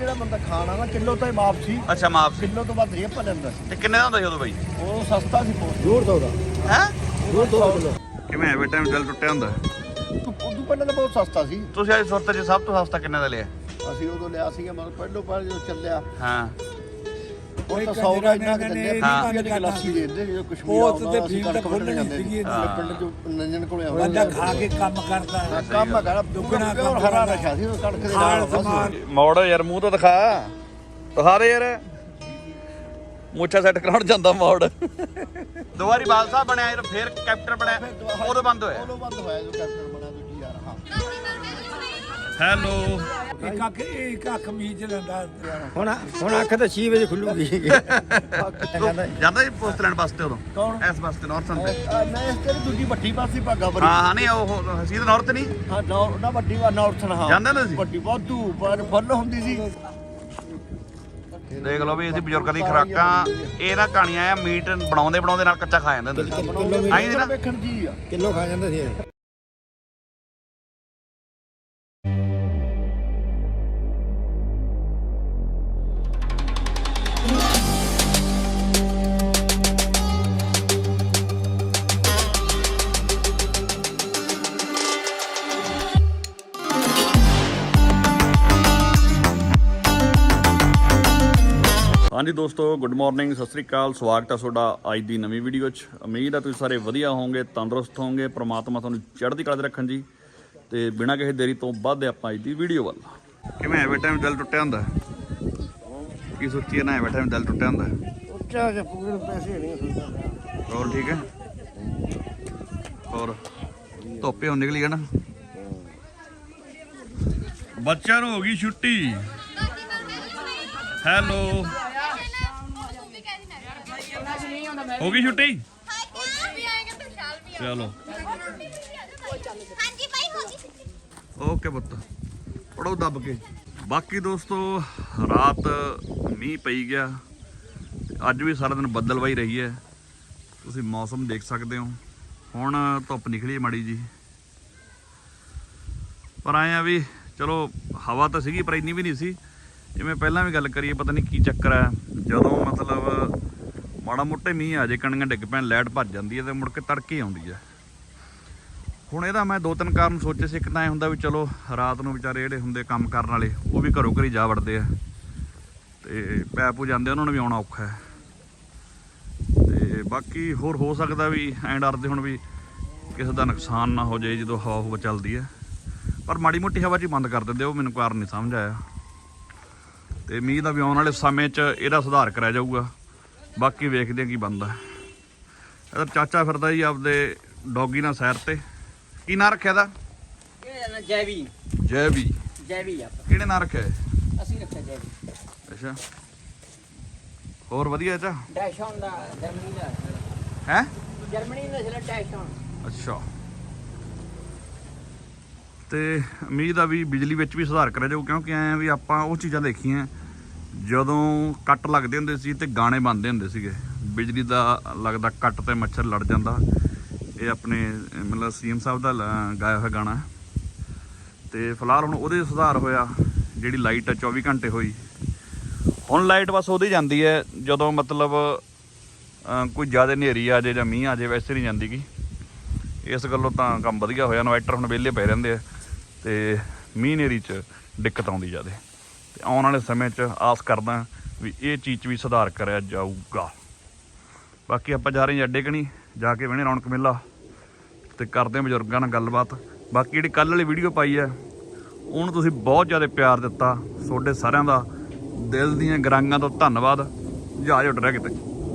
ਜਿਹੜਾ ਬੰਦਾ ਖਾਣਾ ਨਾ ਕਿਲੋ ਤਾਂ ਹੀ ਮਾਫ ਸੀ। ਅੱਛਾ ਮਾਫ ਸੀ। ਕਿਲੋ ਤੋਂ ਵੱਧ ਰੇਪ ਲੈਂਦਾ ਸੀ। ਤੇ ਕਿੰਨੇ ਦਾ ਹੁੰਦਾ ਸੀ ਉਦੋਂ ਬਾਈ? ਉਹ ਸਸਤਾ ਸੀ ਬਹੁਤ। 150 ਦਾ ਹੈ 150 ਕਿਲੋ। ਕਿਵੇਂ ਐਵੇਂ ਟਾਈਮ ਦਿਲ ਟੁੱਟਿਆ ਹੁੰਦਾ? ਉਦੋਂ ਪਹਿਲਾਂ ਤਾਂ ਬਹੁਤ ਸਸਤਾ ਸੀ। ਤੁਸੀਂ ਅੱਜ ਸੁਰਤ 'ਚ ਸਭ ਤੋਂ ਸਸਤਾ ਕਿੰਨੇ ਦਾ ਲਿਆ? ਅਸੀਂ ਉਦੋਂ ਲਿਆ ਸੀਗਾ ਮਤਲਬ ਪਹਿਲੋਂ ਜਦੋਂ ਚੱਲਿਆ ਹਾਂ ਉਹ ਤਾਂ 100 ਦਾ ਇੰਨਾ ਕਿ ਦਿੰਦੇ ਆ ਦੀ ਗਲਾਸੀ ਦੇ ਦਿੰਦੇ ਜਦੋਂ ਕਸ਼ਮੀਰ ਆਉਂਦਾ ਉਹ ਤੇ ਕਣਕ ਵੱਢਣ ਜਾਂਦੇ ਸੀ ਪਿੰਡ ਚ ਨੰਜਨ ਕੋਲੇ ਆਉਂਦਾ ਬੰਦਾ ਖਾ ਕੇ ਕੰਮ ਕਰਦਾ ਕੰਮ ਹੈਗਾ ਦੁੱਗਣਾ ਪਿਓਰ ਹਰਾ ਨਸ਼ਾ ਸੀ ਉਹ ਕਣਕ ਦੇ ਨਾਲ। ਮੋੜ ਯਾਰ ਮੂੰਹ ਤੋਂ ਦਿਖਾ ਦੇ ਯਾਰ ਮੁੱਛਾ ਸੈੱਟ ਕਰਾਉਣ ਜਾਂਦਾ ਮੋੜ। ਦੋ ਵਾਰੀ ਬਾਲ ਸਾਹਿਬ ਬਣਿਆ ਯਾਰ ਫੇਰ ਕੈਪਟਨ ਬਣਿਆ ਉਦੋਂ ਬੰਦ ਹੋਇਆ। ਉਦੋਂ ਬੰਦ ਹੋਇਆ ਜਦੋਂ ਕੈਪਟਨ ਬਣਿਆ ਦੂਜੀ ਯਾਰ। ਹਾਂ ਹੈਲੋ ਇੱਕ ਅੱਖ ਮੀਚ ਲੈਂਦਾ ਹੁਣ ਅੱਖ ਤਾਂ 6 ਵਜੇ ਖੁੱਲੂਗੀ। ਜਾਂਦਾ ਜੀ ਪੋਸਟ ਲੈਣ ਵਾਸਤੇ ਉਦੋਂ? ਕੌਣ? ਇਸ ਵਾਸਤੇ ਨਾਰਥਨ ਤੇ? ਨਹੀਂ ਇਸ ਤੇ ਦੂਜੀ ਵੱਡੀ ਪਾਸੀ ਭਾਗਾ ਬਰੀ। ਹਾਂ ਨਹੀਂ ਉਹ ਹਸੀਦ ਨਾਰਥ ਨਹੀਂ ਹਾਂ ਨਾ ਵੱਡੀ ਵਾ ਨਾਰਥਨ। ਹਾਂ ਜਾਂਦੇ ਹੁੰਦੇ ਸੀ? ਵੱਡੀ ਵਾਧੂ ਪਰ ਫੁੱਲ ਹੁੰਦੀ ਸੀ। ਦੇਖ ਲਓ ਵੀ ਅਸੀਂ ਬਜ਼ੁਰਗਾਂ ਦੀ ਖੁਰਾਕਾਂ ਇਹ ਨਾ ਕਹਾਣੀਆਂ ਆ ਮੀਟ ਬਣਾਉਂਦੇ ਨਾਲ ਕੱਚਾ ਖਾ ਜਾਂਦੇ ਹੁੰਦੇ ਸੀ। ਆਈ ਨਾ ਵੇਖਣ ਜੀ ਆ ਕਿਲੋ ਖਾ ਜਾਂਦਾ ਸੀ। ਹਾਂਜੀ ਦੋਸਤੋ ਗੁੱਡ ਮਾਰਨਿੰਗ, ਸਤਿ ਸ੍ਰੀ ਅਕਾਲ। ਸਵਾਗਤ ਹੈ ਤੁਹਾਡਾ ਅੱਜ ਦੀ ਨਵੀਂ ਵੀਡੀਓ 'ਚ। ਉਮੀਦ ਹੈ ਤੁਸੀਂ ਸਾਰੇ ਵਧੀਆ ਹੋਵੋਗੇ, ਤੰਦਰੁਸਤ ਹੋਵੋਗੇ। ਪ੍ਰਮਾਤਮਾ ਤੁਹਾਨੂੰ ਚੜ੍ਹਦੀ ਕਲਾ 'ਚ ਰੱਖਣ ਜੀ। ਤੇ ਬਿਨਾਂ ਕਿਸੇ ਦੇਰੀ ਤੋਂ ਵੱਧਦੇ ਆਪਾਂ ਅੱਜ ਦੀ ਵੀਡੀਓ ਵੱਲ। ਕਿਵੇਂ ਐਵੇਂ ਟਾਈਮ ਦਿਲ ਟੁੱਟਿਆ ਹੁੰਦਾ? ਕੀ ਸੋਚੀਏ ਨਾ ਐਵੇਂ ਟਾਈਮ ਦਿਲ ਟੁੱਟਿਆ ਹੁੰਦਾ? ਉੱਚਾ ਜਿਹਾ ਪੂਰੇ ਪੈਸੇ ਨਹੀਂ ਹੁੰਦਾ। ਹੋਰ ਠੀਕ ਹੈ? ਹੋਰ ਧੁੱਪੇ ਹੁਣ ਨਿਕਲੀ ਹੈ ਨਾ। ਬੱਚਿਆਂ ਨੂੰ ਹੋ ਗਈ ਛੁੱਟੀ। ਹੈਲੋ ਹੋ ਗਈ ਛੁੱਟੀ? ਚਲੋ ਓਕੇ ਪੁੱਤ ਪੜੋ ਦੱਬ ਕੇ। ਬਾਕੀ ਦੋਸਤੋ ਰਾਤ ਮੀਂਹ ਪਈ ਗਿਆ, ਅੱਜ ਵੀ ਸਾਰਾ ਦਿਨ ਬੱਦਲਵਾਈ ਰਹੀ ਹੈ। ਤੁਸੀਂ ਮੌਸਮ ਦੇਖ ਸਕਦੇ ਹੋ। ਹੁਣ ਧੁੱਪ ਨਿਕਲੀ ਮਾੜੀ ਜੀ, ਪਰ ਆਏ ਆ ਵੀ ਚਲੋ ਹਵਾ ਤਾਂ ਸੀਗੀ ਪਰ ਇੰਨੀ ਵੀ ਨਹੀਂ ਸੀ। ਜਿਵੇਂ ਪਹਿਲਾਂ ਵੀ ਗੱਲ ਕਰੀਏ, ਪਤਾ ਨਹੀਂ ਕੀ ਚੱਕਰ ਹੈ, ਜਦੋਂ ਮਤਲਬ ਮਾੜਾ ਮੋਟੇ ਮੀਂਹ ਆ ਜੇ ਕਣੀਆਂ ਡਿੱਗ ਪੈਣ ਲਾਈਟ ਭੱਜ ਜਾਂਦੀ ਹੈ ਤੇ ਮੁੜ ਕੇ ਤੜਕੇ ਆਉਂਦੀ ਹੈ। ਹੁਣ ਇਹਦਾ ਮੈਂ ਦੋ ਤਿੰਨ ਕਾਰਨ ਸੋਚੇ ਸੀ। ਇੱਕ ਤਾਂ ਇਹ ਹੁੰਦਾ ਵੀ ਚਲੋ ਰਾਤ ਨੂੰ ਵਿਚਾਰੇ ਜਿਹੜੇ ਹੁੰਦੇ ਕੰਮ ਕਰਨ ਵਾਲੇ ਉਹ ਵੀ ਘਰੋਂ ਘਰੀ ਜਾ ਵੜਦੇ ਆ ਤੇ ਪੈਪੂ ਜਾਂਦੇ, ਉਹਨਾਂ ਨੂੰ ਵੀ ਆਉਣਾ ਔਖਾ ਹੈ। ਤੇ ਬਾਕੀ ਹੋਰ ਹੋ ਸਕਦਾ ਵੀ ਐਂ ਡਰਦੇ ਹੁਣ ਵੀ ਕਿਸੇ ਦਾ ਨੁਕਸਾਨ ਨਾ ਹੋ ਜਾਏ ਜਦੋਂ ਹਵਾ ਹੁਵਾ ਚੱਲਦੀ ਹੈ, ਪਰ ਮਾੜੀ ਮੋਟੀ ਹਵਾ 'ਚ ਹੀ ਬੰਦ ਕਰ ਦਿੰਦੇ। ਉਹ ਮੈਨੂੰ ਕਾਰਨ ਨਹੀਂ ਸਮਝ ਆਇਆ। ਤੇ ਮੀਂਹ ਦਾ ਵੀ ਆਉਣ ਵਾਲੇ ਸਮੇਂ 'ਚ ਇਹਦਾ ਸੁਧਾਰ ਕਰਿਆ ਜਾਊਗਾ। ਬਾਕੀ ਵੇਖਦੇ ਹਾਂ ਕੀ ਬਣਦਾ। ਇਹਦਾ ਚਾਚਾ ਫਿਰਦਾ ਜੀ ਆਪਦੇ ਡੌਗੀ ਨਾਲ ਸੈਰ ਤੇ। ਕੀ ਨਾਂ ਰੱਖਿਆ ਇਹਦਾ? ਜੈਵੀ। ਜੈਵੀ ਆ। ਕਿਹੜੇ ਨਾਂ ਰੱਖਿਆ? ਅਸੀਂ ਰੱਖਿਆ ਜੈਵੀ। ਅੱਛਾ ਹੋਰ ਵਧੀਆ ਚਾ? ਡੈਸ਼ੌਨ ਦਾ ਜਰਮਨੀ ਦਾ ਹੈ। ਜਰਮਨੀ ਦਾ ਜਿਹੜਾ ਡੈਸ਼ੌਨ। ਅੱਛਾ ਤੇ ਉਮੀਦ ਆ ਵੀ ਬਿਜਲੀ ਵਿੱਚ ਵੀ ਸੁਧਾਰ ਕਰਿਆ ਜਾਊ, ਕਿਉਂਕਿ ਐਂ ਵੀ ਆਪਾਂ ਉਹ ਚੀਜ਼ਾਂ ਦੇਖੀਆਂ ਜਦੋਂ ਕੱਟ ਲੱਗਦੇ ਹੁੰਦੇ ਸੀ ਤੇ ਗਾਣੇ ਬਣਦੇ ਹੁੰਦੇ ਸੀਗੇ। ਬਿਜਲੀ ਦਾ ਲੱਗਦਾ ਕੱਟ ਤੇ ਮੱਛਰ ਲੜ ਜਾਂਦਾ। ਇਹ ਆਪਣੇ ਮਤਲਬ ਸੀਐਮ ਸਾਹਿਬ ਦਾ ਗਾਇਆ ਹੋਇਆ ਗਾਣਾ। ਤੇ ਫਿਲਹਾਲ ਹੁਣ ਉਹਦੇ ਸੁਧਾਰ ਹੋਇਆ। ਜਿਹੜੀ ਲਾਈਟ ਆ 24 ਘੰਟੇ ਹੋਈ। ਹੁਣ ਲਾਈਟ ਬਸ ਉਹਦੀ ਜਾਂਦੀ ਹੈ ਜਦੋਂ ਮਤਲਬ ਕੋਈ ਜ਼ਿਆਦਾ ਹਨੇਰੀ ਆ ਜਾਏ ਜਾਂ ਮੀਂਹ ਆ ਜਾਏ, ਵੈਸੇ ਨਹੀਂ ਜਾਂਦੀ ਗੀ। ਇਸ ਗੱਲੋਂ ਤਾਂ ਕੰਮ ਵਧੀਆ ਹੋਇਆ। ਇਨਵਰਟਰ ਹੁਣ ਵਿਹਲੇ ਪਏ ਰਹਿੰਦੇ ਆ ਤੇ ਮੀਂਹ ਹਨੇਰੀ 'ਚ ਦਿੱਕਤ ਆਉਂਦੀ ਜ਼ਿਆਦਾ। ਤੇ ਆਉਣ ਵਾਲੇ ਸਮੇਂ 'ਚ ਆਸ ਕਰਦਾ ਵੀ ਇਹ ਚੀਜ਼ 'ਚ ਵੀ ਸੁਧਾਰ ਕਰਿਆ ਜਾਊਗਾ। ਬਾਕੀ ਆਪਾਂ ਜਾ ਰਹੇ ਹਾਂ ਅੱਡੇ ਕਣੀ, ਜਾ ਕੇ ਬਹਿਣੇ ਰੌਣਕ ਮੇਲਾ ਤੇ ਕਰਦੇ ਹਾਂ ਬਜ਼ੁਰਗਾਂ ਨਾਲ ਗੱਲਬਾਤ। ਬਾਕੀ ਜਿਹੜੀ ਕੱਲ੍ਹ ਵਾਲੀ ਵੀਡੀਓ ਪਾਈ ਹੈ ਉਹਨੂੰ ਤੁਸੀਂ ਬਹੁਤ ਜ਼ਿਆਦਾ ਪਿਆਰ ਦਿੱਤਾ। ਤੁਹਾਡੇ ਸਾਰਿਆਂ ਦਾ ਦਿਲ ਦੀਆਂ ਗਰਾਂਗਾਂ ਤੋਂ ਧੰਨਵਾਦ। ਜਹਾਜ਼ ਉੱਡ ਰਿਹਾ ਕਿਤੇ।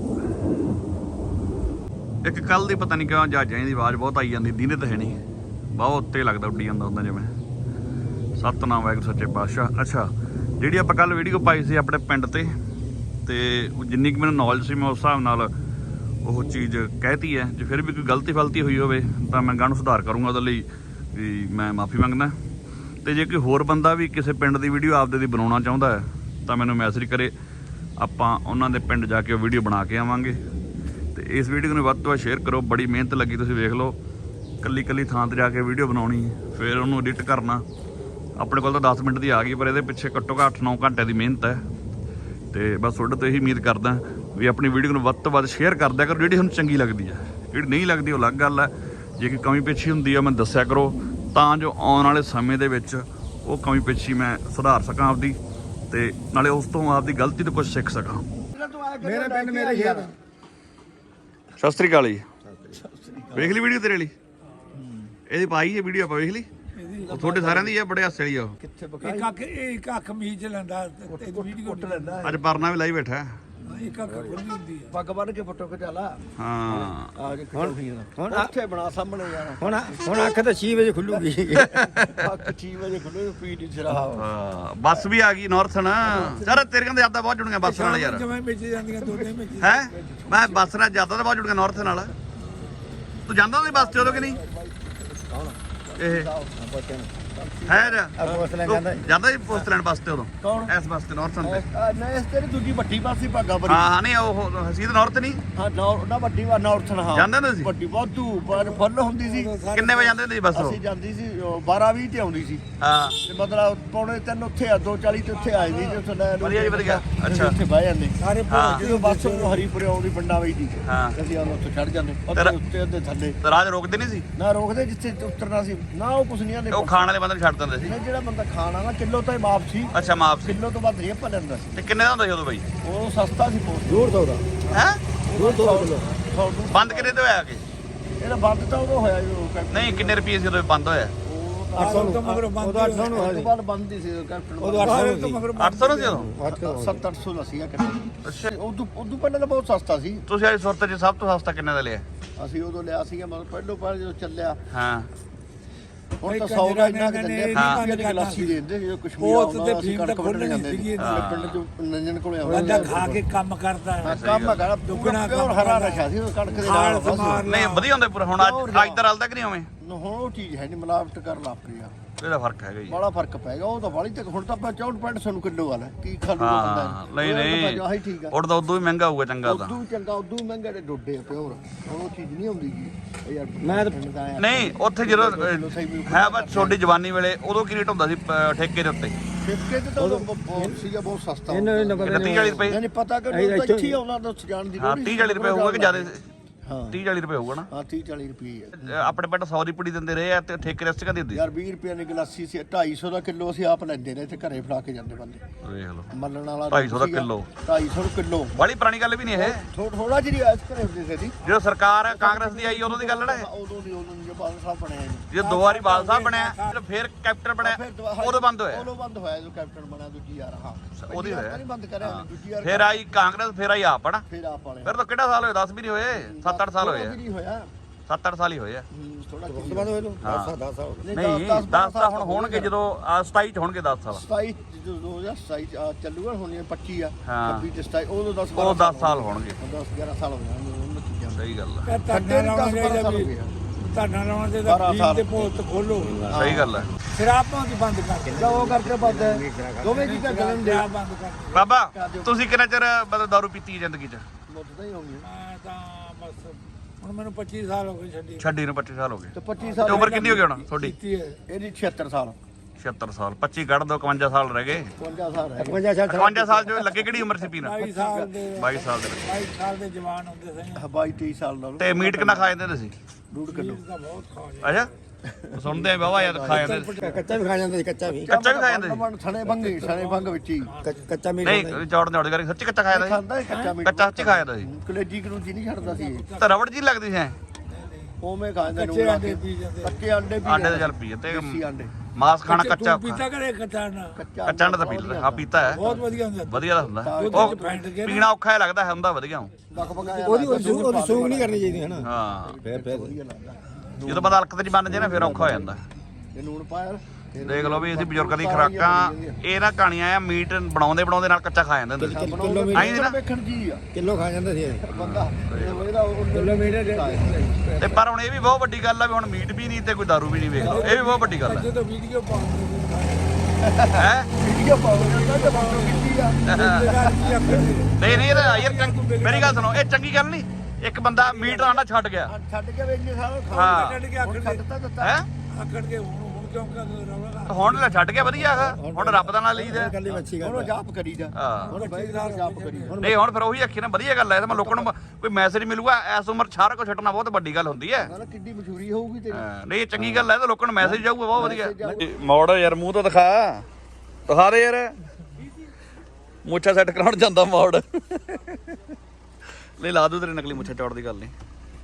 ਇੱਕ ਕੱਲ੍ਹ ਦੀ ਪਤਾ ਨਹੀਂ ਕਿਉਂ ਜਹਾਜ਼ਾਂ ਦੀ ਆਵਾਜ਼ ਬਹੁਤ ਆਈ ਜਾਂਦੀ, ਦਿਨੇ ਤਾਂ ਹੈ ਨਹੀਂ, ਬਹੁਤ ਉੱਤੇ ਲੱਗਦਾ ਉੱਡੀ ਜਾਂਦਾ ਹੁੰਦਾ ਜਿਵੇਂ। ਸਤਿਨਾਮ ਵਾਹਿਗੁਰੂ ਸੱਚੇ ਪਾਤਸ਼ਾਹ। ਅੱਛਾ ਜਿਹੜੀ ਆਪਾਂ ਕੱਲ੍ਹ ਵੀਡੀਓ ਪਾਈ ਸੀ ਆਪਣੇ ਪਿੰਡ ਤੇ ਜਿੰਨੀ ਕੁ ਮੈਨੂੰ ਨੌਲੇਜ ਸੀ ਮੈਂ ਉਸ ਹਿਸਾਬ ਨਾਲ ਉਹ ਚੀਜ਼ ਕਹਿਤੀ ਹੈ। ਜੇ ਫਿਰ ਵੀ ਕੋਈ ਗਲਤੀ ਹੋਈ ਹੋਵੇ ਤਾਂ ਮੈਂ ਗਾਂ ਨੂੰ ਸੁਧਾਰ ਕਰੂੰਗਾ। ਉਹਦੇ ਲਈ ਵੀ ਮੈਂ ਮਾफ़ੀ ਮੰਗਦਾ। ਤੇ ਜੇ ਕੋਈ ਹੋਰ ਬੰਦਾ ਵੀ ਕਿਸੇ ਪਿੰਡ ਦੀ ਵੀਡੀਓ ਆਪਦੇ ਦੀ ਬਣਾਉਣਾ ਚਾਹੁੰਦਾ ਹੈ ਤਾਂ ਮੈਨੂੰ ਮੈਸੇਜ ਕਰੇ, ਆਪਾਂ ਉਹਨਾਂ ਦੇ ਪਿੰਡ ਜਾ ਕੇ ਉਹ ਵੀਡੀਓ ਬਣਾ ਕੇ ਆਵਾਂਗੇ। ਤੇ ਇਸ ਵੀਡੀਓ ਨੂੰ ਵੱਧ ਤੋਂ ਵੱਧ ਸ਼ੇਅਰ ਕਰੋ। ਬੜੀ ਮਿਹਨਤ ਲੱਗੀ, ਤੁਸੀਂ ਵੇਖ ਲਓ। ਕੱਲੀ ਥਾਂ 'ਤੇ ਜਾ ਕੇ ਵੀਡੀਓ ਬਣਾਉਣੀ, ਫਿਰ ਉਹਨੂੰ ਐਡਿਟ ਕਰਨਾ ਆਪਣੇ ਕੋਲ ਤਾਂ 10 ਮਿੰਟ ਦੀ ਆ ਗਈ, ਪਰ ਇਹਦੇ ਪਿੱਛੇ ਘੱਟੋ ਘੱਟ 8-9 ਘੰਟੇ ਦੀ ਮਿਹਨਤ ਹੈ। ਤੇ ਬਸ ਤੁਹਾਡੇ ਤੋਂ ਇਹੀ ਉਮੀਦ ਕਰਦਾ ਵੀ ਆਪਣੀ ਵੀਡੀਓ ਨੂੰ ਵੱਧ ਤੋਂ ਵੱਧ ਸ਼ੇਅਰ ਕਰ ਦਿਆ ਕਰੋ, ਜਿਹੜੀ ਤੁਹਾਨੂੰ ਚੰਗੀ ਲੱਗਦੀ ਹੈ। ਜਿਹੜੀ ਨਹੀਂ ਲੱਗਦੀ ਉਹ ਅਲੱਗ ਗੱਲ ਹੈ। ਜੇ ਕੋਈ ਕਮੀ ਪੇਸ਼ੀ ਹੁੰਦੀ ਆ ਮੈਨੂੰ ਦੱਸਿਆ ਕਰੋ, ਤਾਂ ਜੋ ਆਉਣ ਵਾਲੇ ਸਮੇਂ ਦੇ ਵਿੱਚ ਉਹ ਕਮੀ ਪੇਸ਼ੀ ਮੈਂ ਸੁਧਾਰ ਸਕਾਂ ਆਪਦੀ, ਤੇ ਨਾਲੇ ਉਸ ਤੋਂ ਆਪਦੀ ਗਲਤੀ ਤੋਂ ਕੁਝ ਸਿੱਖ ਸਕਾਂ। ਮੇਰਾ ਪਿੰਡ ਮੇਰੇ ਯਾਰ। ਸਤਿ ਸ੍ਰੀ ਅਕਾਲ ਜੀ। ਵੇਖ ਲਈ ਵੀਡੀਓ ਤੇਰੇ ਲਈ? ਇਹਦੀ ਪਾਈ ਹੈ ਵੀਡੀਓ, ਆਪਾਂ ਵੇਖ ਲਈ। ਉਹ ਤੁਹਾਡੇ ਸਾਰਿਆਂ ਦੀ ਆ, ਬੜੇ ਹਾਸੇ ਵਾਲੀ ਆ ਉਹ। ਇੱਕ ਅੱਖ ਮੀਚ ਲੈਂਦਾ ਤੇ ਵੀਡੀਓ ਲੈਂਦਾ ਅੱਜ ਪਰਨਾ ਵੀ ਲਾਈ ਬੈਠਾ। ਇੱਕ ਅੱਖ ਖੁੱਲੀ ਹੁੰਦੀ ਹੈ। ਪੱਗ ਬੰਨ ਕੇ ਫੋਟੋ ਖਿਚਾ ਲਾ। ਹਾਂ ਆ ਕੇ ਹੁਣ ਉੱਥੇ ਬਣਾ ਸਾਹਮਣੇ ਯਾਰ। ਹੁਣ ਅੱਖ ਤਾਂ 6 ਵਜੇ ਖੁੱਲੂਗੀ। ਅੱਖ 6 ਵਜੇ ਖੁੱਲੇ ਪੀ ਦੀ ਸ਼ਰਾਬ। ਹਾਂ, ਬੱਸ ਵੀ ਆ ਗਈ ਨਾਰਥਨ। ਯਾਰ ਤੇਰੇ ਕਹਿੰਦੇ ਯਾਦਾਂ ਬਹੁਤ ਜੁੜੀਆਂ ਬੱਸ ਨਾਲ ਯਾਰ। ਜਿਵੇਂ ਵਿੱਚ ਜਾਂਦੀਆਂ ਦੋਨੇ ਵਿੱਚ ਹੈ ਮੈਂ ਬੱਸ ਨਾਲ ਯਾਦਾਂ ਤਾਂ ਬਹੁਤ ਜੁੜੀਆਂ ਨਾਰਥਨ ਨਾਲ। ਤੂੰ ਜਾਂਦਾ ਉਹਦੀ ਬੱਸ ਤੇ ਉਦੋਂ ਕਿ ਨਹੀਂ? ਇਹ ਹੈ ਜਾਂਦਾ ਜੀ ਪੋਸਟਲੈਂਡ ਬੱਸ ਤੇ ਉਦੋਂ? ਕੌਣ? ਇਸ ਬੱਸ ਤੇ ਨਾਰਥਨ ਤੇ? ਨਹੀਂ ਇਸ ਤੇਰੀ ਦੂਜੀ ਵੱਡੀ ਪਾਸੀ ਭਾਗਾ ਬਰੀ। ਹਾਂ ਨਹੀਂ ਉਹ ਹਸੀਦ ਨਾਰਥ ਨਹੀਂ ਹਾਂ ਨਾ ਵੱਡੀ ਵਾ ਨਾਰਥਨ। ਹਾਂ ਜਾਂਦੇ ਹੁੰਦੇ ਸੀ? ਵੱਡੀ ਵਾਧੂ ਪਰ ਫੁੱਲ ਹੁੰਦੀ ਸੀ। ਕਿੰਨੇ ਵਜੇ ਜਾਂਦੇ ਹੁੰਦੇ ਸੀ ਬੱਸ ਉਹ? ਅਸੀਂ ਜਾਂਦੀ ਸੀ 12:20 ਤੇ ਆਉਂਦੀ ਸੀ। ਹਾਂ ਤੇ ਮਤਲਬ ਪੌਣੇ 3 ਉੱਥੇ ਆ 2:40 ਤੇ ਉੱਥੇ ਆ ਜਾਂਦੀ ਤੇ ਉੱਥੇ ਲੈ ਵਧੀਆ ਜੀ ਵਧੀਆ। ਅੱਛਾ ਉੱਥੇ ਬਹਿ ਜਾਂਦੇ ਸਾਰੇ ਹਾਂ। ਜਦੋਂ ਬੱਸ ਨੂੰ ਹਰੀਪੁਰੇ ਆਉਂਦੀ ਪਿੰਡਾਂ ਵਿੱਚ ਦੀ ਹਾਂ। ਅਸੀਂ ਆਉਂ ਉੱਥੇ ਚੜ ਜਾਂਦੇ ਤੇਰਾ- ਉੱਤੇ ਉੱਤੇ ਥੱਲੇ ਤੇ ਰਾਜ ਰੋਕਦੇ ਨਹੀਂ ਸੀ? ਨਾ ਰੋਕਦੇ ਜਿੱਥੇ ਉਤਰਨਾ ਸੀ ਨਾ ਉਹ ਕੁਛ ਨਹੀਂ ਆਂਦੇ। ਉਹ ਖਾਣ ਵਾਲੇ ਬੰਦੇ ਨੂੰ ਛੱਡ ਦਿੰਦੇ ਸੀ? ਜਿਹੜਾ ਬੰਦਾ ਖਾਣਾ ਨਾ ਕਿਲੋ ਤਾਂ ਹੀ ਮਾਫ ਸੀ। ਅੱਛਾ ਮਾਫ ਸੀ। ਕਿਲੋ ਤੋਂ ਵੱਧ ਨਹੀਂ ਆਪਾਂ ਲੈਂਦਾ ਸੀ। ਤੇ ਕਿੰਨੇ ਦਾ ਹੁੰਦਾ ਸੀ ਉਦੋਂ ਬਾਈ? ਉਹ ਸਸਤਾ ਸੀ ਬਹੁਤ। 150 ਦਾ ਹੈ 150 ਕਿਲੋ ਬੰਦ ਕਿੰਨੇ ਤੇ ਹੋਇਆ ਕਿ? ਇਹਦਾ ਬੰਦ ਤਾਂ ਉਦੋਂ ਹੋਇਆ ਜਦੋਂ ਕੈਪਟਨ। ਨਹੀਂ ਕਿੰਨੇ ਰੁਪਏ ਸੀ ਉਦੋਂ ਬੰਦ ਹੋਇਆ? 800 ਤੋਂ ਮਗਰ ਬੰਦ 800 ਨੂੰ ਉਸ ਤੋਂ ਬਾਅਦ ਬੰਦ ਹੀ ਸੀ ਕੈਪਟਨ। ਉਦੋਂ 800 ਤੋਂ ਮਗਰ 800 ਨੂੰ ਸੀ ਉਦੋਂ? 700-800 ਦਾ ਸੀਗਾ ਕੈਪਟਨ। ਅੱਛਾ ਉਦੋਂ ਪਹਿਲਾਂ ਤਾਂ ਬਹੁਤ ਸਸਤਾ ਸੀ। ਤੁਸੀਂ ਅੱਜ ਸੁਰਤ 'ਚ ਸਭ ਤੋਂ ਸਸਤਾ ਕਿੰਨੇ ਦਾ ਲਿਆ? ਅਸੀਂ ਉਦੋਂ ਲਿਆ ਸੀਗਾ ਮਤਲਬ ਪਹਿਲੋਂ ਪਹਿਲ ਜਦੋਂ ਚੱਲਿਆ। ਹਾਂ ਹੁਣ ਤਾਂ 100 ਦਾ ਇੰਨਾ ਕਿ ਦਿੰਦੇ ਆ ਦੀ ਗਲਾਸੀ ਦੇ ਦਿੰਦੇ ਜਦੋਂ ਕਸ਼ਮੀਰ ਆਉਂਦਾ ਅਸੀਂ ਕਣਕ ਵੱਢਣ ਜਾਂਦੇ ਸੀ ਪਿੰਡ ਚੋਂ ਨੰਜਨ ਕੋਲੇ ਆਉਂਦਾ ਬੰਦਾ ਖਾ ਕੇ ਕੰਮ ਕਰਦਾ ਹੈ। ਕੰਮ ਹੈਗਾ ਦੁੱਗਣਾ ਪਿਓਰ ਹਰਾ ਨਸ਼ਾ ਸੀ ਉਹ ਕਣਕ ਦੇ ਨਾਲ ਬਸ। ਨਹੀਂ ਵਧੀਆ ਹੁੰਦਾ ਪੂਰਾ। ਹੁਣ ਅੱਜ ਤਾਂ ਰਲਦਾ ਕਿ ਨਹੀਂ ਉਵੇਂ? ਹੁਣ ਉਹ ਚੀਜ਼ ਹੈ ਨਹੀਂ ਮਿਲਾਵਟ ਕਰ ਲਾ ਪਈ ਆ। ਇਹਦਾ ਫਰਕ ਹੈਗਾ ਜੀ। ਬੜਾ ਫਰਕ ਪੈ ਗਿਆ ਉਹ ਤਾਂ ਵਾਲੀ ਤੱਕ। ਹੁਣ ਤਾਂ ਆਪਾਂ 64-65 ਕਿਲੋ ਵਾਲਾ ਕੀ ਖਾ ਲੂਗਾ ਹਾਂ ਬੰਦਾ। ਨਹੀਂ ਆਹੀ ਠੀਕ ਆ। ਉਹ ਤਾਂ ਉਦੋਂ ਵੀ ਮਹਿੰਗਾ ਹੋਊਗਾ ਚੰਗਾ ਤਾਂ। ਉਦੋਂ ਚੰਗਾ ਉਦੋਂ ਮਹਿੰਗਾ ਤੇ ਡੋਡੇ ਆ ਪਿਓਰ। ਹੁਣ ਉਹ ਚੀਜ਼ ਨਹੀਂ ਆਉਂਦੀ ਜੀ ਯਾਰ। ਮੈਂ ਨਹੀਂ ਉੱਥੇ ਜਦੋਂ ਹੈ ਬਸ ਛੋਟੀ ਜਵਾਨੀ ਵੇਲੇ ਉਦੋਂ ਕੀ ਰੇਟ ਹੁੰਦਾ ਸੀ ਠੇਕੇ ਦੇ ਉੱਤੇ? ਠੇਕੇ ਤੇ ਤਾਂ ਉਦੋਂ ਬਹੁਤ ਸੀਗਾ ਬਹੁਤ ਸਸਤਾ। ਇਹਨਾਂ ਨੂੰ ਪਤਾ 30-40 ਰੁਪਏ? ਨਹੀਂ ਪਤਾ ਕਿ ਉਹ ਇੱਥੇ ਹੀ ਆਉਣਾ ਤਾਂ ਜਾਣ ਦੀ ਹਾਂ 30-40 ਰੁਪਏ ਹੋਊਗਾ ਕਿ ਜ਼ਿਆਦਾ? ਹਾਂ 30-40 ਰੁਪਏ ਹੋਊਗਾ ਨਾ। ਹਾਂ 30-40 ਰੁਪਏ। ਆਪਣੇ ਪਿੰਡ 100 ਦੀ ਪੁੜੀ ਦਿੰਦੇ ਰਹੇ ਆ ਤੇ ਠੇਕੇ ਰਸਤ ਕਾ ਦਿੰਦੇ? ਯਾਰ 20 ਰੁਪਏ ਦੀ ਗਲਾਸੀ ਸੀ 250 ਦਾ ਕਿਲੋ ਅਸੀਂ ਆਪ ਲੈਂਦੇ ਰਹੇ ਤੇ ਘਰੇ ਫੜਾ ਕੇ ਜਾਂਦੇ ਬੰਦੇ। ਵੇਖ ਲਓ ਮੱਲਣ ਵਾਲਾ 250 ਦਾ ਕਿਲੋ। 250 ਕਿਲੋ ਬੜੀ ਪੁਰਾਣੀ ਗੱਲ ਵੀ ਨਹੀਂ ਇਹ। ਥੋੜਾ ਜਿਹੀ ਇਸ ਘਰੇ ਹੁੰਦੇ ਸੀ। ਜਦੋਂ ਸਰਕਾਰ ਕਾਂਗਰਸ ਦੀ ਆਈ ਉਦੋਂ ਦੀ ਗੱਲ ਹੈ। ਉਦੋਂ ਦੀ ਜੋ ਬਾਦਲ ਸਾਹਿਬ ਬਣਿਆ ਜੀ। ਜਦੋਂ 2 ਵਾਰੀ ਬਾਲ ਸਾਹਿਬ ਬਣਿਆ ਫਿਰ ਕੈਪਟਨ ਬਣਿਆ ਉਦੋਂ ਬੰਦ ਹੋਇਆ। ਉਦੋਂ ਬੰਦ ਹੋਇਆ ਜਦੋਂ ਕੈਪਟਨ ਬਣਿਆ ਦੂਜੀ ਯਾਰ। ਹਾਂ ਉਹਦੀ ਹੋਇਆ ਨਹੀਂ ਬੰਦ ਕਰਿਆ ਦੂਜੀ ਯਾਰ। ਫਿਰ ਆਈ ਕਾਂਗਰਸ ਫਿਰ ਆਈ ਆਪ ਹਨਾ। ਫਿਰ ਆਪ ਵਾਲੇ ਫਿਰ ਤਾਂ ਕਿਹੜਾ ਸਾਲ ਹੋਇਆ? 10 ਵੀ ਨਹੀਂ ਹੋਏ 7-8 ਸਾਲ ਹੋਏ ਆ। ਨਹੀਂ ਹੋਇਆ 7-8 ਸਾਲ ਹੀ ਹੋਏ ਆ। ਥੋੜਾ ਬੰਦ ਹੋਏ ਨੂੰ 10 ਸਾਲ ਨਹੀਂ 10 ਤਾਂ ਹੁਣ ਹੋਣਗੇ ਜਦੋਂ 27 ਚ ਹੋਣਗੇ 10 ਸਾਲ। 27 ਜਦੋਂ 2027 ਚੱਲੂਗਾ ਹੁਣ 25 ਆ ਹਾਂ। 26 ਤੇ 27 ਉਦੋਂ 10 ਉਹ 10 ਸਾਲ ਹੋਣਗੇ। 10-11 ਸਾਲ ਹੋ ਜਾਣਗੇ ਉਹਨਾਂ ਚੀਜ਼ਾਂ ਦੇ। ਸਹੀ ਗੱਲ ਹੈ। ਧਰਨਾ ਲਾਉਣ ਦੇ ਵੀ ਧਰਨਾ ਲਾਉਣ ਦੇ ਤਾਂ 12 ਫੀਮ ਤੇ ਪੋਸਟ ਖੋਲੋ। ਸਹੀ ਗੱਲ ਹੈ। ਸ਼ਰਾਬਾਂ ਦੀ ਬੰਦ ਕਰ ਦੇ। ਉਹ ਕਰਕੇ ਬੰਦ ਹੈ। ਦੋਵੇਂ ਚੀਜ਼ਾਂ ਗਲਨ ਦੇ ਸ਼ਰਾਬ ਬੰਦ ਕਰ ਦੇ। ਬਾਬਾ ਤੁਸੀਂ ਕਿੰਨਾ ਚਿਰ ਮਤਲਬ ਦਾਰੂ ਪੀਤੀ ਹੈ ਜ਼ਿੰਦਗੀ 'ਚ? ਮੁੱਦਦਾ ਹੀ ਹੋਣੀ ਮੈਂ ਤਾਂ ਬਸ ਹੁਣ ਮੈਨੂੰ 25 ਸਾਲ ਹੋ ਗਏ ਛੱਡੀ ਛੱਡੀ ਨੂੰ 25 ਸਾਲ ਹੋ ਗਏ। ਤੇ 25 ਤੇ ਸਾਲ ਉਮਰ ਕਿੰਨੀ ਹੋ ਗਈ ਹੁਣ ਤੁਹਾਡੀ? ਕੀਤੀ ਹੈ। ਇਹਦੀ 76 ਸਾਲ 76 ਸਾਲ 25 ਕੱਢ ਦੋ 51 ਸਾਲ ਰਹਿ ਗਏ। 52 ਸਾਲ ਹੈ 51 ਸਾਲ ਜੋ ਲੱਗੇ ਕਿਹੜੀ ਉਮਰ ਸੀ ਪੀਣਾ? 22 ਸਾਲ ਦੇ 22 ਸਾਲ ਦੇ ਵਿੱਚ। 22 ਸਾਲ ਦੇ ਜਵਾਨ ਹੁੰਦੇ ਸਨ। 22-23 ਸਾਲ ਦਾ ਤੇ ਮੀਟ ਕਿੰਨਾ ਖਾ ਜਾਂਦੇ ਤੁਸੀਂ? 2 ਕਿਲੋ ਤਾਂ ਬਹੁਤ ਖਾ ਲਿਆ। ਅੱਛਾ ਸੁਣਦੇ ਆ ਬਾਬਾ ਯਾਰ ਖਾ ਜਾਂਦੇ ਸੀ। ਕੱਚਾ ਵੀ ਖਾ ਜਾਂਦਾ ਸੀ ਕੱਚਾ ਵੀ ਕੱਚਾ ਵੀ ਖਾ ਜਾਂਦੇ ਸੀ? ਥਣੇ ਭੰਗ ਵਿੱਚ ਹੀ ਕੱਚਾ ਮੀਟ ਨਹੀਂ ਚੌੜ ਕਰੀ ਸੱਚੀ ਕੱਚਾ ਖਾਇਆ ਜਾਂਦਾ ਖਾਂਦਾ ਹੈ ਕੱਚਾ ਸੀ? ਮੀਟ। ਕੱਚਾ ਸੱਚੀ ਖਾਇਆ ਜਾਂਦਾ ਸੀ? ਕਲੇਜੀ ਕਲੂਜੀ ਨਹੀਂ ਛੱਡਦਾ ਸੀ ਇਹ। ਤਾਂ ਰਬੜ ਜੀ ਲੱਗਦੀ ਸੀ ਐਂ? ਉਵੇਂ ਖਾਂਦਾ ਕੱਚੇ ਆਂਡੇ ਪੀ ਜਾਂਦੇ। ਕੱਚੇ ਆਂਡੇ ਵੀ ਆਂਡੇ ਤਾਂ ਚੱਲ ਪੀਏ ਤੇ ਦੇਸੀ ਆਂਡੇ ਮਾਸ ਖਾਣਾ ਕੱਚਾ ਤੂੰ ਪੀਤਾ ਕਰੇ ਕੱਚਾ ਨਾ। ਕੱਚਾ ਕੱਚਾ ਆਂਡਾ ਤਾਂ ਪੀ ਲੈਂਦਾ। ਹਾਂ ਪੀਤਾ ਹੈ ਬਹੁਤ ਵਧੀਆ ਹੁੰਦਾ। ਵਧੀਆ ਤਾਂ ਹੁੰਦਾ ਉਹਦੇ ਉਹ ਚ ਫੈਂਟ ਕੇ ਪੀਣਾ ਔਖਾ ਜਿਹਾ ਲੱਗਦਾ ਹੁੰਦਾ ਵਧੀਆ ਬਕਬਕਾਇਆ ਉਹਦੀ ਸੂਗ ਨਹੀਂ ਕਰਨੀ ਚਾਹੀਦੀ ਹੈ ਨਾ। ਹਾਂ ਫੇਰ ਵਧੀਆ ਲੱਗਦਾ ਜਦੋਂ ਬੰਦਾ ਹਲਕਤ 'ਚ ਬਣ ਜੇ ਨਾ ਫਿਰ ਔਖਾ ਹੋ ਜਾਂਦਾ। ਇਹ ਲੂਣ ਪਾਇਆ ਦੇਖ ਲਓ ਵੀ ਅਸੀਂ ਬਜ਼ੁਰਗਾਂ ਦੀ ਖੁਰਾਕਾਂ ਇਹ ਨਾ ਕਹਾਣੀਆਂ ਆ ਮੀਟ ਬਣਾਉਂਦੇ ਨਾਲ ਕੱਚਾ ਖਾ ਜਾਂਦੇ ਹੁੰਦੇ ਸੀ। ਕਿਲੋ ਆਈ ਨਾ ਵੇਖਣ ਜੀ ਆ ਕਿਲੋ ਖਾ ਜਾਂਦਾ ਸੀ ਬੰਦਾ ਇਹਦਾ ਕਿਲੋ ਮੀਟ ਤੇ ਪਰ ਹੁਣ ਇਹ ਵੀ ਬਹੁਤ ਵੱਡੀ ਗੱਲ ਆ ਵੀ ਹੁਣ ਮੀਟ ਵੀ ਨਹੀਂ ਤੇ ਕੋਈ ਦਾਰੂ ਵੀ ਨਹੀਂ ਵੇਖਦਾ। ਇਹ ਵੀ ਬਹੁਤ ਵੱਡੀ ਗੱਲ ਹੈ ਜਦੋਂ ਵੀਡੀਓ ਪਾਉਂਦੇ ਹੈ। ਵੀਡੀਓ ਪਾਉਂਦਾ ਤਾਂ ਬੰਦੋ ਕੀਤੀ ਆ ਨਹੀਂ ਇਹ ਤਾਂ ਯਾਰ ਮੇਰੀ ਗੱਲ ਸੁਣੋ ਇਹ ਚੰਗੀ ਗੱਲ ਨਹੀਂ। ਇੱਕ ਬੰਦਾ ਮੀਟ ਆਂਡਾ ਛੱਡ ਗਿਆ ਛੱਡ ਕੇ ਵੇਚੇ ਸਾਰਾ ਹਾਂ ਕੱਢ ਕੇ ਆਖੜ ਛੱਡਤਾ ਦਿੱਤਾ ਹੈ ਆਖੜ ਕੇ ਹੁਣ ਕਿਉਂ ਕਰ ਰੌਲਾ ਹੁਣ ਲੈ ਛੱਡ ਗਿਆ ਵਧੀਆ ਹੈਗਾ ਹੁਣ ਰੱਬ ਦਾ ਨਾਂ ਲਈਦਾ ਕੱਲੀ ਮੱਛੀ ਗਾ ਹੁਣ ਜਾਪ ਕਰੀਦਾ ਹਾਂ ਹੁਣ ਬਾਈ ਜਾਪ ਕਰੀਦਾ ਨਹੀਂ ਹੁਣ ਫਿਰ ਉਹੀ ਅੱਖੀ ਨਾ ਵਧੀਆ ਗੱਲ ਹੈ ਤੇ ਮੈਂ ਲੋਕਾਂ ਨੂੰ ਕੋਈ ਮੈਸੇਜ ਮਿਲੂਗਾ ਇਸ ਉਮਰ ਸਾਰਾ ਕੁਝ ਛੱਡਣਾ ਬਹੁਤ ਵੱਡੀ ਗੱਲ ਹੁੰਦੀ ਹੈ ਨਾ ਕਿੱਡੀ ਮਸ਼ਹੂਰੀ ਹੋਊਗੀ ਤੇਰੀ ਨਹੀਂ ਇਹ ਚੰਗੀ ਗੱਲ ਹੈ ਤੇ ਲੋਕਾਂ ਨੂੰ ਮੈਸੇਜ ਜਾਊਗਾ ਬਹੁਤ ਵਧੀਆ ਮੋੜ ਯਾਰ ਮੂੰਹ ਤਾਂ ਦਿਖਾ ਦੇ ਯਾਰ ਮੁੱਛਾ ਸੈੱਟ ਕਰਾਉਣ ਜਾਂਦਾ ਮੋੜ ਲੈ ਲਾ ਦੂ ਤੇਰੇ ਨਕਲੀ ਮੁੱਛਾ ਚੌੜ ਦੀ ਗੱਲ ਨਹੀਂ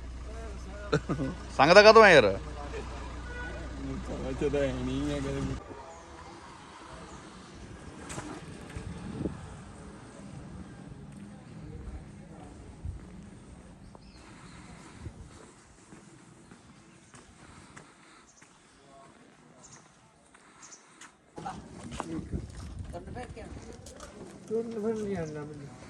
ਸੰਗਦਾ ਕਦੋਂ ਆ ਯਾਰ ਤਾਂ ਨਹੀਂ ਹੈ ਕਦੇ ਤੁਹਾਨੂੰ ਫਿਰ ਕਿਆ ਤੁਰਨ ਫਿਰ ਨਹੀਂ ਆਣਾ ਮੈਨੂੰ